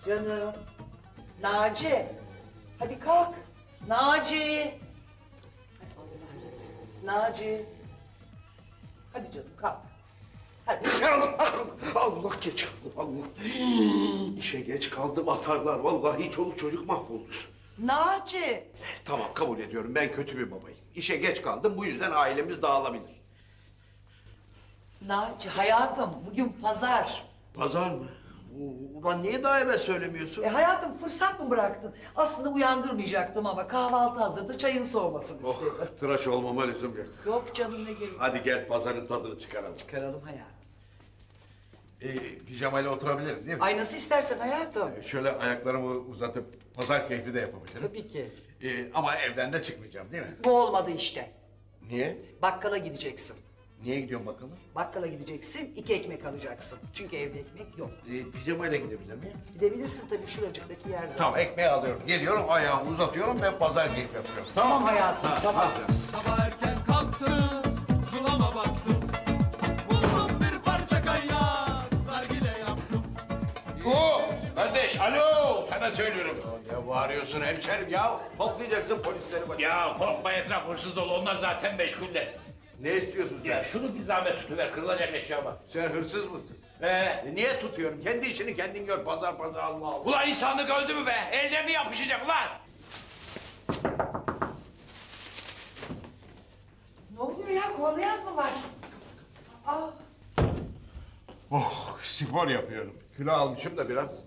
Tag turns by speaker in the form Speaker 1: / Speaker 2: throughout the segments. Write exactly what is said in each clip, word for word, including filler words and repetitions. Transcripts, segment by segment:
Speaker 1: Canım. Naci. Hadi kalk. Naci. Hadi Allah. Naci. Hadi canım kalk. Hadi.
Speaker 2: Allah, Allah geç kaldım Allah. İşe geç kaldım atarlar. Vallahi çoluk çocuk mahvoldu.
Speaker 1: Naci.
Speaker 2: Tamam kabul ediyorum ben kötü bir babayım. İşe geç kaldım bu yüzden ailemiz dağılabilir.
Speaker 1: Naci hayatım bugün pazar.
Speaker 2: Pazar mı? Ulan niye daha evvel söylemiyorsun?
Speaker 1: E hayatım fırsat mı bıraktın? Aslında uyandırmayacaktım ama kahvaltı hazırdı, çayın soğumasını
Speaker 2: Oh,
Speaker 1: istedim.
Speaker 2: tıraş olmama lüzum yok.
Speaker 1: Yok canım ne gerek.
Speaker 2: Hadi gel pazarın tadını çıkaralım.
Speaker 1: Çıkaralım hayatım.
Speaker 2: Ee, pijamayla oturabilirim değil mi?
Speaker 1: Ay nasıl istersen hayatım.
Speaker 2: Ee, şöyle ayaklarımı uzatıp pazar keyfi de yapabilirim.
Speaker 1: Tabii ki.
Speaker 2: Ee, ama evden de çıkmayacağım değil mi?
Speaker 1: Bu olmadı işte.
Speaker 2: Niye?
Speaker 1: Bakkala gideceksin.
Speaker 2: Niye gidiyorsun bakalım?
Speaker 1: Bakkala gideceksin, iki ekmek alacaksın. Çünkü evde ekmek yok.
Speaker 2: Ee, pijamayla gidebilir miyim?
Speaker 1: Gidebilirsin tabii şuracıktaki yer zaten.
Speaker 2: Tamam ekmeği alıyorum. Geliyorum ayağımı uzatıyorum ve pazar keyfi yapıyorum.
Speaker 1: Tamam hayatım, tamam.
Speaker 3: Sabah erken kalktım, zulama baktım. Buldum bir parça kaynak, nargile yaptım.
Speaker 2: Oo, kardeş alo sana söylüyorum. Ne bağırıyorsun hemşerim ya? Toplayacaksın polisleri bak.
Speaker 4: Ya korkma etraf hırsız dolu onlar zaten meşguller.
Speaker 2: Ne istiyorsun sen?
Speaker 4: Ya şunu bir zahmet tutuver kırılacak eşyama.
Speaker 2: Sen hırsız mısın?
Speaker 4: Ee,
Speaker 2: E, niye tutuyorum? Kendi işini kendin gör. Pazar pazar Allah Allah.
Speaker 4: ulan insanlık öldü mü be? Ellerine yapışacak ulan.
Speaker 1: Ne oluyor ya, kovalayan mı var? Aa,
Speaker 2: Oh spor yapıyorum. Kilo almışım da biraz.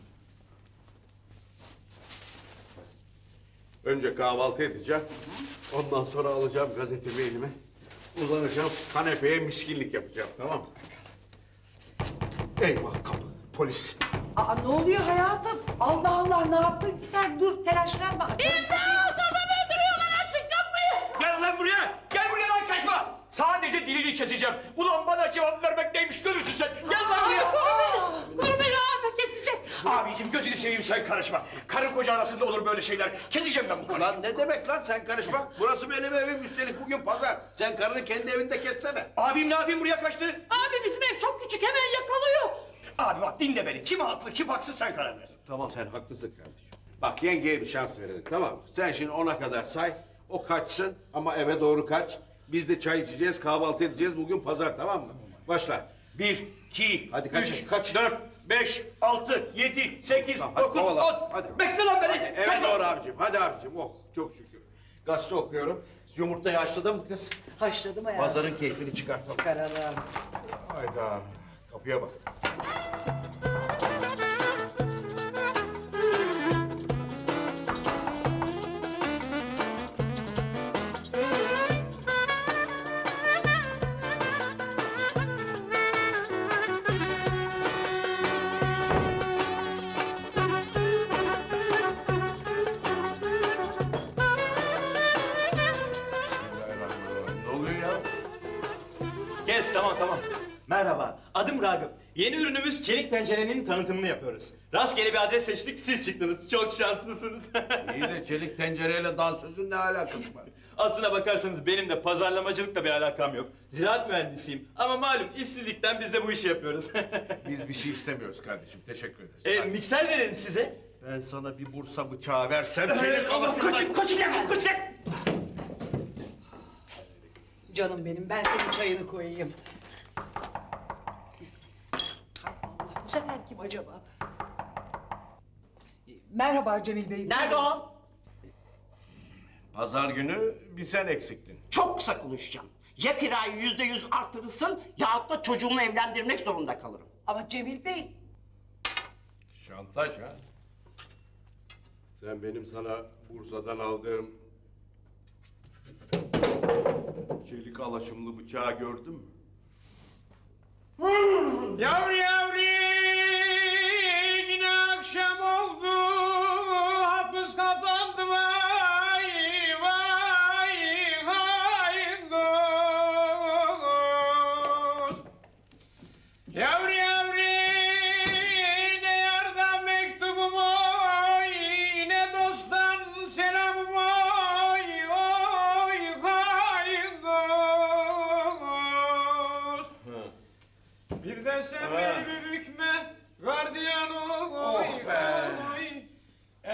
Speaker 2: Önce kahvaltı edeceğim. Ondan sonra alacağım gazetemi elime. Uzanacağım kanepeye miskinlik yapacağım tamam mı? Eyvah kapı polis.
Speaker 1: aa, ne oluyor hayatım? Allah Allah, ne yaptın ki sen? Dur, telaşlanma. Açarım kapıyı.
Speaker 5: Gel lan buraya! Gel buraya lan kaçma! Sadece dilini keseceğim. Ulan bana cevap vermek neymiş görürsün sen. Gel lan buraya!
Speaker 6: Koru beni abi kesecek.
Speaker 5: Abiciğim gözünü seveyim sen karışma. Karı koca arasında olur böyle şeyler. Keseceğim ben bu karıyı.
Speaker 2: Lan ne demek lan sen karışma? Burası benim evim üstelik bugün pazar. Sen karını kendi evinde kessene.
Speaker 5: Abim ne yapayım buraya kaçtı?
Speaker 6: Abi bizim ev çok küçük hemen yakalıyor.
Speaker 5: Abi bak dinle beni. Kim haklı kim haksız sen karar ver.
Speaker 2: Tamam sen haklısın kardeşim. Bak yengeye bir şans verelim tamam mı? Sen şimdi ona kadar say. O kaçsın ama eve doğru kaç. Biz de çay içeceğiz, kahvaltı edeceğiz. Bugün pazar tamam mı? Başla.
Speaker 5: Bir, iki,
Speaker 2: Hadi kaç,
Speaker 5: üç,
Speaker 2: kaç.
Speaker 5: dört, beş, altı, yedi, sekiz,
Speaker 2: Tamam, hadi
Speaker 5: dokuz,
Speaker 2: kovala.
Speaker 5: on.
Speaker 2: Hadi.
Speaker 5: Bekle lan beni.
Speaker 2: Eve
Speaker 5: Kaçma.
Speaker 2: doğru abicim. Hadi abicim. Oh çok şükür. Gazete okuyorum. Yumurtayı haşladın mı kız?
Speaker 1: Haşladım hayatım.
Speaker 2: Pazarın keyfini çıkartalım.
Speaker 1: Çıkaralım.
Speaker 2: Hayda. Kapıya bak. Bismillahirrahmanirrahim. Ne oluyor ya?
Speaker 7: Kes tamam tamam. Merhaba, adım Ragıp. Yeni ürünümüz çelik tencerenin tanıtımını yapıyoruz. Rastgele bir adres seçtik, siz çıktınız. Çok şanslısınız.
Speaker 2: İyi de çelik tencereyle dansözün ne alakası var?
Speaker 7: Aslına bakarsanız benim de pazarlamacılıkla bir alakam yok. Ziraat mühendisiyim ama malum işsizlikten biz de bu işi yapıyoruz.
Speaker 2: Biz bir şey istemiyoruz kardeşim. Teşekkür ederiz.
Speaker 7: e, mikser verelim size.
Speaker 2: Ben sana bir Bursa bıçağı versem seni
Speaker 5: Allah kaçın, kaçacak, kaçacak.
Speaker 1: Canım benim, ben senin çayını koyayım. Hay Allah, bu sefer kim acaba? Merhaba Cemil Bey.
Speaker 8: Nerede o?
Speaker 2: Pazar günü bir sen eksiktin.
Speaker 8: Çok kısa konuşacağım. Ya kirayı yüzde yüz artırırsın yahut da çocuğumu evlendirmek zorunda kalırım.
Speaker 1: Ama Cemil Bey,
Speaker 2: Şantaj ha? Sen benim sana Bursa'dan aldığım çelik alaşımlı bıçağı gördün mü?
Speaker 5: Yavru yavru yine akşam oldu hapis kapandı vay vay haindoz. Yavru yavru ne yardan mektubum oy ne dosttan selamım oy oy haindoz. Bir de sen
Speaker 2: Ha.
Speaker 5: beni bir bükme gardiyan oy.
Speaker 2: Oh be!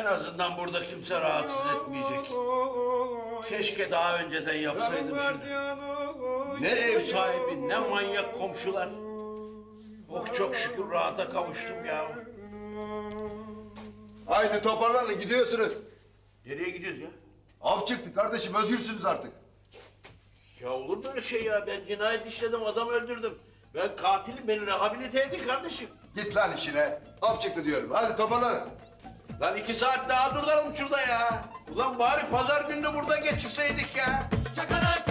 Speaker 2: azından burada kimse rahatsız etmeyecek. Keşke daha önceden yapsaydım şunu. Ne ev sahibi, ne manyak komşular. Oh çok şükür rahata kavuştum ya.
Speaker 9: Haydi toparlanın gidiyorsunuz.
Speaker 2: Nereye gidiyoruz ya?
Speaker 9: Av çıktı kardeşim özgürsünüz artık.
Speaker 2: Ya olur mu öyle şey ya? Ben cinayet işledim, adam öldürdüm. Ben katilim, beni rehabilite edin kardeşim.
Speaker 9: Git lan işine. Av çıktı diyorum. Hadi toparlanın.
Speaker 2: Lan iki saat daha duralım şurada ya. Ulan bari pazar gününü burada geçirseydik ya.
Speaker 3: Çakarak